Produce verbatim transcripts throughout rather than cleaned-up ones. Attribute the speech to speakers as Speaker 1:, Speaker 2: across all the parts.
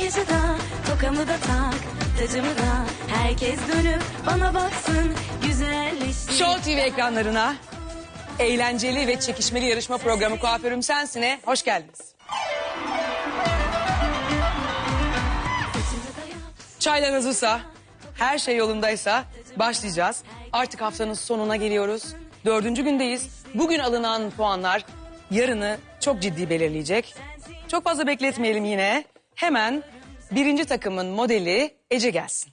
Speaker 1: makyajı da, tokamı da tak, tacımı da. Herkes dönüp bana baksın, güzelleştir.
Speaker 2: Show T V ekranlarına eğlenceli ve çekişmeli yarışma programı Kuaförüm Sensin'e hoş geldiniz. Çaylar hazırsa, her şey yolundaysa başlayacağız. Artık haftanın sonuna geliyoruz. Dördüncü gündeyiz. Bugün alınan puanlar yarını çok ciddi belirleyecek. Çok fazla bekletmeyelim yine. Hemen birinci takımın modeli Ece gelsin.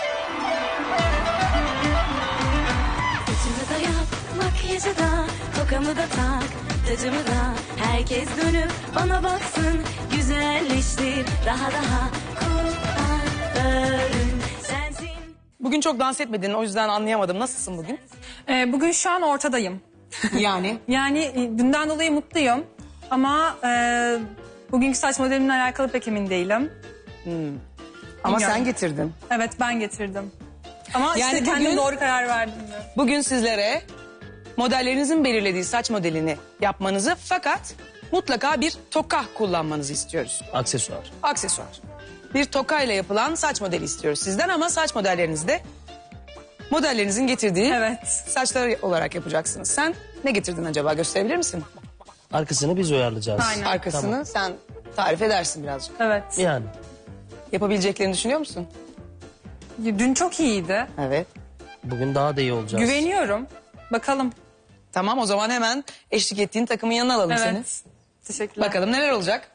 Speaker 1: Saçımı da yap, makyajı da, tokamı da tak, tacımı da. Herkes dönüp bana baksın, güzelleştir daha daha. Kuaförüm sensin.
Speaker 2: Bugün çok dans etmedin, o yüzden anlayamadım. Nasılsın bugün?
Speaker 3: Ee, bugün şu an ortadayım.
Speaker 2: Yani?
Speaker 3: Yani e, dünden dolayı mutluyum. Ama e, bugünkü saç modelimle alakalı pek emin değilim.
Speaker 2: Ama
Speaker 3: Bilmiyorum.
Speaker 2: sen getirdin.
Speaker 3: Evet, ben getirdim. Ama
Speaker 2: Yani
Speaker 3: işte kendim
Speaker 2: bugün-
Speaker 3: doğru karar verdim. mi?
Speaker 2: Bugün sizlere modellerinizin belirlediği saç modelini yapmanızı, fakat mutlaka bir toka kullanmanızı istiyoruz.
Speaker 4: Aksesuar.
Speaker 2: Aksesuar. Bir toka ile yapılan saç modeli istiyoruz sizden, ama saç modellerinizi de modellerinizin getirdiği
Speaker 3: Evet.
Speaker 2: saçlar olarak yapacaksınız. Sen ne getirdin acaba, gösterebilir misin?
Speaker 4: Arkasını biz uyarlayacağız.
Speaker 3: Aynen.
Speaker 2: Arkasını
Speaker 4: Tamam.
Speaker 2: sen tarif edersin birazcık.
Speaker 3: Evet.
Speaker 4: Yani
Speaker 2: Yapabileceklerini düşünüyor musun?
Speaker 3: Dün çok iyiydi.
Speaker 2: Evet.
Speaker 4: bugün daha da iyi olacağız.
Speaker 3: Güveniyorum. Bakalım.
Speaker 2: Tamam, o zaman hemen eşlik ettiğin takımın yanına alalım seni.
Speaker 3: Evet. Teşekkürler.
Speaker 2: Bakalım neler olacak.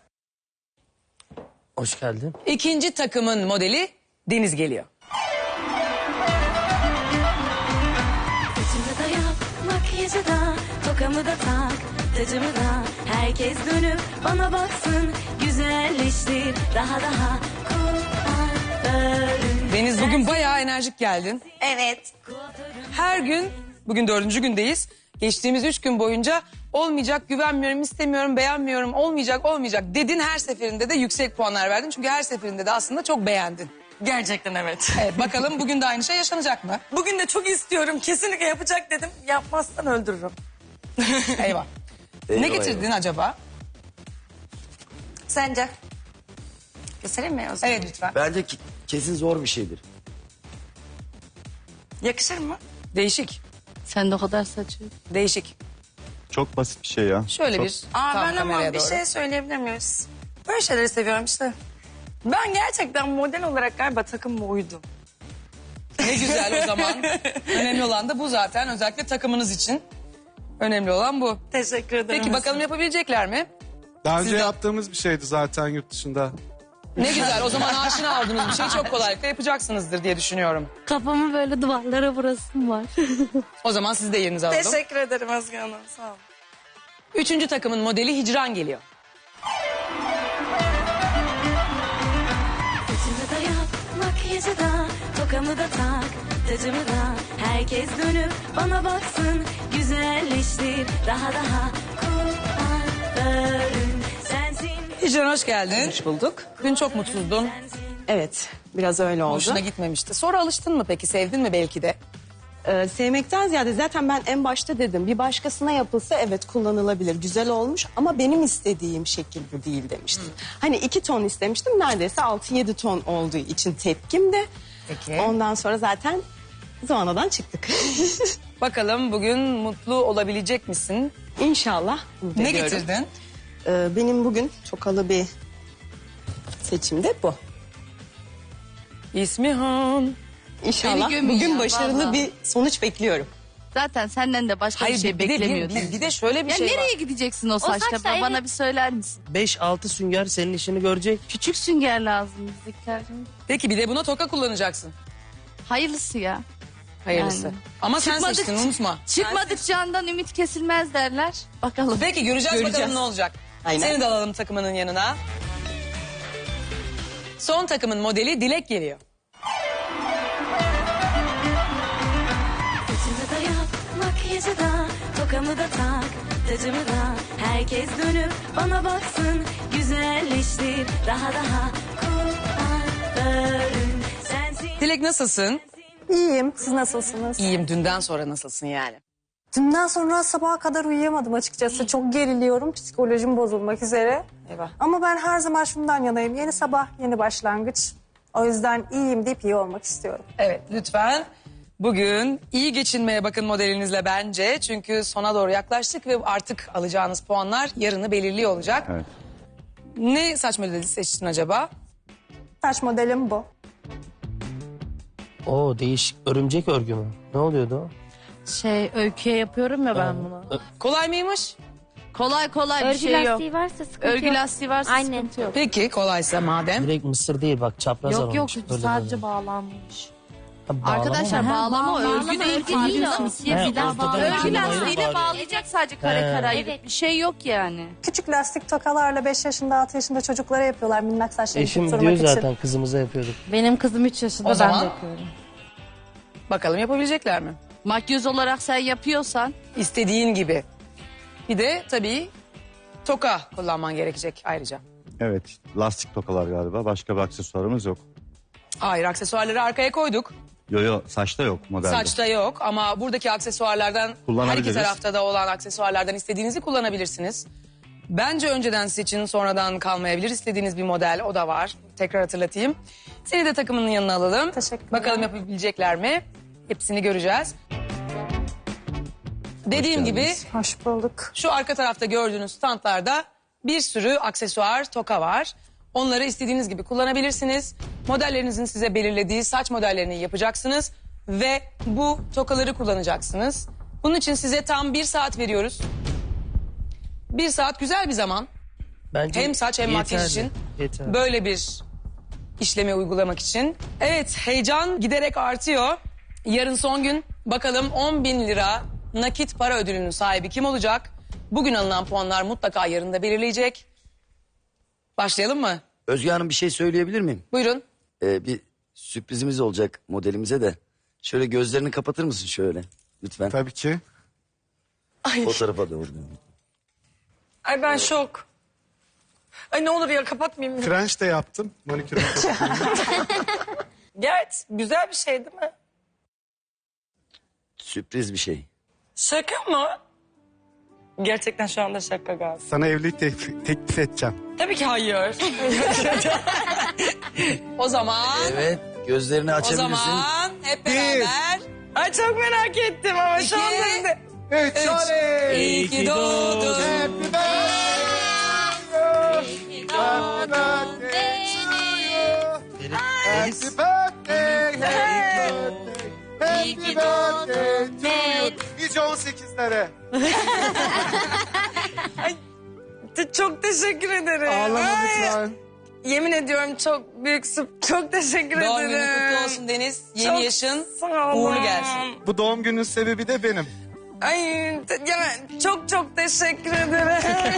Speaker 4: Hoş geldin.
Speaker 2: İkinci takımın modeli Deniz geliyor.
Speaker 1: Saçımı da yap, makyajı da, tokamı da tak, tacımı da. Herkes dönüp bana baksın, güzelleştir daha daha. Kuaförüm
Speaker 2: Deniz, bugün bayağı enerjik geldin.
Speaker 1: evet.
Speaker 2: Her gün, bugün dördüncü gündeyiz. Geçtiğimiz üç gün boyunca olmayacak, güvenmiyorum, istemiyorum, beğenmiyorum, olmayacak, olmayacak dedin. Her seferinde de yüksek puanlar verdin. Çünkü her seferinde de aslında çok beğendin.
Speaker 5: Gerçekten evet.
Speaker 2: Evet, bakalım bugün de aynı şey yaşanacak mı?
Speaker 5: Bugün de çok istiyorum. Kesinlikle yapacak dedim. Yapmazsan öldürürüm.
Speaker 2: Eyvah. Ne getirdin acaba?
Speaker 5: Sence? Göstereyim mi o zaman?
Speaker 2: Evet, lütfen.
Speaker 6: Bence ki- kesin zor bir şeydir.
Speaker 5: Yakışır mı?
Speaker 2: Değişik,
Speaker 7: Sen de o kadar saçı.
Speaker 2: değişik.
Speaker 8: Çok basit bir şey ya.
Speaker 2: Şöyle
Speaker 8: Çok-
Speaker 2: bir
Speaker 5: Aa,
Speaker 2: tam
Speaker 5: ben ama
Speaker 2: kameraya
Speaker 5: bir
Speaker 2: doğru.
Speaker 5: şey söyleyebilir miyiz? Böyle şeyleri seviyorum işte. Ben gerçekten model olarak galiba takımıma uydum.
Speaker 2: Ne güzel o zaman. Önemli olan da bu zaten. Özellikle takımınız için. Önemli olan bu.
Speaker 5: Teşekkür ederim.
Speaker 2: Peki bakalım yapabilecekler mi?
Speaker 8: Daha önce
Speaker 2: Sizden-
Speaker 8: yaptığımız bir şeydi zaten yurt dışında.
Speaker 2: Ne güzel, o zaman aşina olduğunuz bir şeyi çok kolaylıkla yapacaksınızdır diye düşünüyorum.
Speaker 7: Kafamı böyle duvarlara vurasım var.
Speaker 2: O zaman siz de yerinizi alalım.
Speaker 5: Teşekkür ederim Özge Hanım. Sağ olun.
Speaker 2: Üçüncü takımın modeli Hicran geliyor.
Speaker 1: Saçımı da yap, makyajı da, tokamı da tak, tacımı da. Herkes dönüp bana baksın, güzelleştir daha daha. Kuaförüm sensin.
Speaker 2: Hicran, hoş geldin.
Speaker 9: Hoş bulduk.
Speaker 2: Dün çok mutsuzdun.
Speaker 9: Evet, biraz öyle oldu.
Speaker 2: Hoşuna gitmemişti. Sonra alıştın mı peki? Sevdin mi belki de?
Speaker 9: Ee, sevmekten ziyade zaten ben en başta dedim. Bir başkasına yapılsa evet kullanılabilir, güzel olmuş ama benim istediğim şekil bu değil demiştim. Hani iki ton istemiştim, neredeyse altı yedi ton olduğu için tepkim de.
Speaker 2: Peki.
Speaker 9: Ondan sonra zaten zıvanadan çıktık.
Speaker 2: Bakalım bugün mutlu olabilecek misin?
Speaker 9: İnşallah. umut
Speaker 2: Ne
Speaker 9: ediyorum.
Speaker 2: getirdin?
Speaker 9: Ee, benim bugün tokalı bir seçim de bu.
Speaker 2: İsmihan.
Speaker 9: İnşallah
Speaker 7: Beni gömün
Speaker 9: bugün
Speaker 7: ya,
Speaker 9: başarılı
Speaker 7: vallahi.
Speaker 9: bir sonuç bekliyorum.
Speaker 7: Zaten senden de başka
Speaker 2: Hayır,
Speaker 7: bir şey
Speaker 2: bir, de, bir,
Speaker 7: beklemiyordum.
Speaker 2: bir, bir de şöyle bir
Speaker 7: Ya
Speaker 2: şey
Speaker 7: nereye
Speaker 2: var.
Speaker 7: gideceksin o saçla?
Speaker 1: saçla
Speaker 7: be? Bana
Speaker 1: evet.
Speaker 7: bir söyler misin?
Speaker 4: beş altı sünger senin işini görecek.
Speaker 7: Küçük sünger lazım bizdekiler.
Speaker 2: Peki bir de buna toka kullanacaksın.
Speaker 7: Hayırlısı ya.
Speaker 2: Hayırlısı.
Speaker 7: Yani.
Speaker 2: Ama sen
Speaker 7: Çıkmadık-
Speaker 2: seçtin, unutma.
Speaker 7: Çıkmadık candan ümit kesilmez derler. Bakalım.
Speaker 2: Peki göreceğiz,
Speaker 9: Göreceğiz.
Speaker 2: bakalım ne olacak.
Speaker 9: Aynen.
Speaker 2: Seni de alalım takımının yanına. Son takımın modeli Dilek geliyor.
Speaker 1: Saçımı da yap, makyajı da, tokamı da tak, tacımı da. Herkes dönüp bana baksın, güzelleştir daha daha. Kuaförüm sensin.
Speaker 2: Dilek, nasılsın?
Speaker 3: İyiyim. Siz nasılsınız?
Speaker 2: İyiyim. Dünden sonra nasılsın yani?
Speaker 3: Dünden sonra sabaha kadar uyuyamadım açıkçası. Çok geriliyorum. Psikolojim bozulmak üzere.
Speaker 5: Eyvah.
Speaker 3: Ama ben her zaman şundan yanayım. Yeni sabah, yeni başlangıç. O yüzden iyiyim deyip iyi olmak istiyorum.
Speaker 2: Evet lütfen bugün iyi geçinmeye bakın modelinizle bence. Çünkü sona doğru yaklaştık ve artık alacağınız puanlar yarını belirliyor olacak.
Speaker 8: Evet.
Speaker 2: Ne saç modeli seçtin acaba?
Speaker 3: Saç modelim bu.
Speaker 4: Oo değişik. Örümcek örgü mü? Ne oluyordu o?
Speaker 7: Şey öyküye yapıyorum ya ben bunu.
Speaker 2: Kolay mıymış?
Speaker 7: Kolay kolay bir
Speaker 10: Örgü
Speaker 7: şey yok.
Speaker 10: lastiği varsa sıkıntı
Speaker 7: Örgü
Speaker 10: yok.
Speaker 7: lastiği varsa
Speaker 10: Aynen.
Speaker 7: sıkıntı yok.
Speaker 2: Peki kolaysa madem.
Speaker 4: Direkt mısır değil bak çapraz
Speaker 7: Yok yok
Speaker 4: alınmış. Böyle
Speaker 7: sadece
Speaker 4: böyle.
Speaker 7: bağlanmış.
Speaker 4: Ha, bağlama
Speaker 7: Arkadaşlar
Speaker 4: mı?
Speaker 7: bağlama,
Speaker 10: bağlama,
Speaker 7: örgü değil.
Speaker 10: örgü değil o.
Speaker 7: Farkında
Speaker 4: He,
Speaker 7: Bir daha
Speaker 4: ortadan
Speaker 7: bağlama. Örgü
Speaker 4: ikiye
Speaker 7: lastiğiyle
Speaker 4: ayırıp
Speaker 7: bağlayacak sadece kare
Speaker 4: He.
Speaker 7: kare ayırıp.
Speaker 10: Evet.
Speaker 7: Bir şey yok yani.
Speaker 3: Küçük lastik tokalarla beş yaşında, altı yaşında çocuklara yapıyorlar minnak saçlarını
Speaker 4: Eşim
Speaker 3: tutturmak
Speaker 4: diyor
Speaker 3: için.
Speaker 4: zaten kızımıza yapıyorduk.
Speaker 10: Benim kızım üç yaşında
Speaker 2: O
Speaker 10: ben
Speaker 2: zaman-
Speaker 10: de yapıyorum.
Speaker 2: Bakalım yapabilecekler mi?
Speaker 7: Makyöz olarak sen yapıyorsan
Speaker 2: İstediğin gibi. Bir de tabii toka kullanman gerekecek ayrıca.
Speaker 8: Evet. Lastik tokalar galiba. Başka bir aksesuarımız yok.
Speaker 2: Hayır aksesuarları arkaya koyduk.
Speaker 8: Yo yo saçta yok modelde.
Speaker 2: Saçta yok ama buradaki aksesuarlardan her iki
Speaker 8: Kullanabiliriz.
Speaker 2: tarafta da olan aksesuarlardan istediğinizi kullanabilirsiniz. Bence önceden seçin sonradan kalmayabilir. İstediğiniz bir model o da var. Tekrar hatırlatayım. Seni de takımının yanına alalım.
Speaker 3: Teşekkürler.
Speaker 2: Bakalım yapabilecekler mi? Hepsini göreceğiz. Dediğim gibi
Speaker 3: Hoş bulduk.
Speaker 2: şu arka tarafta gördüğünüz standlarda bir sürü aksesuar, toka var. Onları istediğiniz gibi kullanabilirsiniz. Modellerinizin size belirlediği saç modellerini yapacaksınız. Ve bu tokaları kullanacaksınız. Bunun için size tam bir saat veriyoruz. Bir saat güzel bir zaman.
Speaker 4: Bence
Speaker 2: Hem saç hem makyaj
Speaker 4: yeterli,
Speaker 2: için.
Speaker 4: yeterli.
Speaker 2: Böyle bir işlemi uygulamak için. Evet heyecan giderek artıyor. Yarın son gün bakalım on bin lira nakit para ödülünün sahibi kim olacak? Bugün alınan puanlar mutlaka yarın da belirleyecek. Başlayalım mı?
Speaker 6: Özge Hanım bir şey söyleyebilir miyim?
Speaker 2: Buyurun.
Speaker 6: Ee, bir sürprizimiz olacak modelimize de. Şöyle gözlerini kapatır mısın şöyle? Lütfen.
Speaker 8: Tabii ki.
Speaker 6: O tarafa doğru.
Speaker 5: Ay ben şok. Ay ne olur ya kapatmayayım.
Speaker 8: French de yaptım. Manikürüm.
Speaker 5: Gerçi güzel bir şey değil mi?
Speaker 6: Sürpriz bir şey.
Speaker 5: Şaka mı? Gerçekten şu anda şaka galiba.
Speaker 8: Sana evlilik teklif, teklif edeceğim.
Speaker 5: Tabii ki hayır.
Speaker 2: O zaman,
Speaker 6: Evet gözlerini
Speaker 2: o
Speaker 6: açabilirsin.
Speaker 2: zaman hep beraber.
Speaker 5: Ay çok merak ettim ama şu anda
Speaker 2: İki.
Speaker 5: size...
Speaker 8: Üç. Oley!
Speaker 2: İyi ki doğdun.
Speaker 8: Happy birthday to you. Happy birthday, happy birthday, happy birthday to you. Nice on sekizlere.
Speaker 5: Te- Çok teşekkür ederim.
Speaker 8: Ağlama
Speaker 5: Ay,
Speaker 8: lütfen.
Speaker 5: Yemin ediyorum çok büyük sürp- Çok teşekkür
Speaker 2: Doğum
Speaker 5: ederim.
Speaker 2: günün kutlu olsun Deniz. Yeni
Speaker 5: Çok
Speaker 2: yaşın
Speaker 5: sağ olun.
Speaker 2: uğurlu gelsin.
Speaker 8: Bu doğum günün sebebi de benim.
Speaker 5: Ay te- ya, çok çok teşekkür ederim.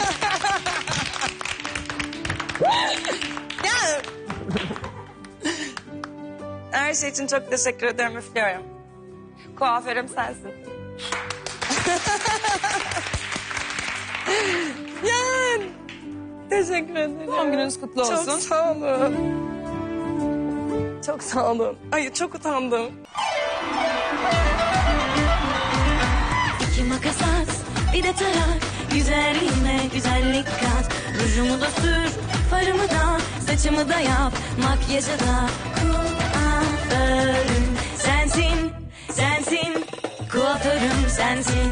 Speaker 5: ya. Her şey için çok teşekkür ederim üflüyorum. Kuaförüm sensin. ya. Teşekkür ederim.
Speaker 2: Doğum gününüz kutlu olsun.
Speaker 5: Çok sağ olun. Çok sağ olun. Ay çok utandım.
Speaker 1: İki makas at, bir de tarak. Güzelliğime güzellik kat. Rujumu da sür, farımı da, saçımı da yap. Makyajı da kuaförüm sensin, sensin. Kuaförüm sensin.